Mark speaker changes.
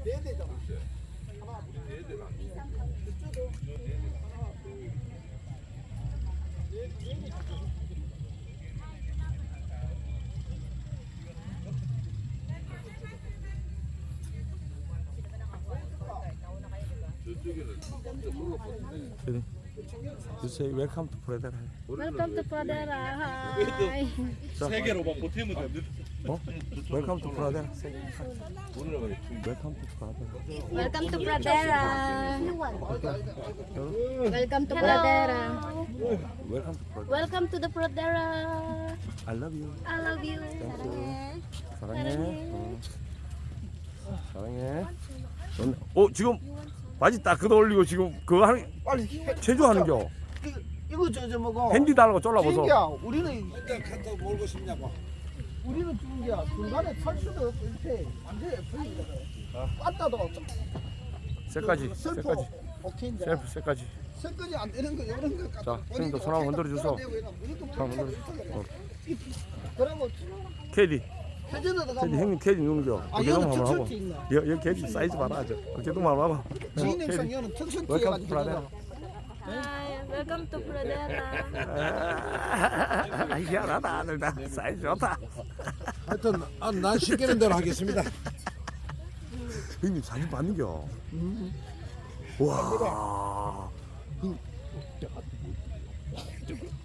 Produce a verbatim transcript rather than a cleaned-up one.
Speaker 1: 네 대잖아. 하나, 둘, 네 대가. 그쪽도 하나, 둘, 네, 네 대.
Speaker 2: You say welcome to Pradera.
Speaker 3: Welcome to Pradera. Hi.
Speaker 4: 세 개로 막 보태면 돼.
Speaker 2: 어? Welcome to Pradera. Welcome to Pradera.
Speaker 3: Welcome to Pradera. Welcome to Pradera.
Speaker 2: Welcome to Pradera.
Speaker 3: Welcome to the Pradera.
Speaker 2: I love you.
Speaker 3: I love you.
Speaker 2: 사랑해. 어. 사랑해. 넌- 어 지금 바지 딱 걷어 올리고 지금 그거 하는
Speaker 1: 빨리
Speaker 2: 체조하는겨.
Speaker 1: 이거 이거 저저 뭐고?
Speaker 2: 핸디 달라고 쫄라보소.
Speaker 1: 중기야. 우리는
Speaker 5: 일단 카톡 몰고 싶냐고.
Speaker 1: 우리는 중기야. 중간에 탈 수도 없고 이렇게 완전히 풀리거든. 빠따도
Speaker 2: 쇠까지.
Speaker 1: 슬퍼.
Speaker 2: 쇠까지.
Speaker 1: 오케이인데.
Speaker 2: 셀프 쇠까지.
Speaker 1: 설거지 안 되는 거 이런 거 갖다
Speaker 2: 자, 형님도 손 한번 흔들어 주소. 손 한번 흔들어. 어.
Speaker 1: 그러고
Speaker 2: 캐디.
Speaker 1: 회전에도
Speaker 2: 캐디
Speaker 1: 가면
Speaker 2: 형님 캐디 누는겨.
Speaker 1: 아,
Speaker 2: 어깨
Speaker 1: 이거는
Speaker 2: 동무 한번 하고.
Speaker 1: 특수티 있나?
Speaker 2: 여, 여기 캐디 사이즈 봐라. 저. 어깨 동무 한번 하고.
Speaker 1: 지인행성 이거는 특수티
Speaker 2: 웰컴
Speaker 1: 해가지고
Speaker 2: 프라데라.
Speaker 3: Hi. Welcome to Pradera.
Speaker 2: 아, 희한하다 아들 다 사이즈 좋다.
Speaker 5: 하여튼 아, 난 시키는 대로 하겠습니다.
Speaker 2: 형님 사진 봤는겨. 와. 형.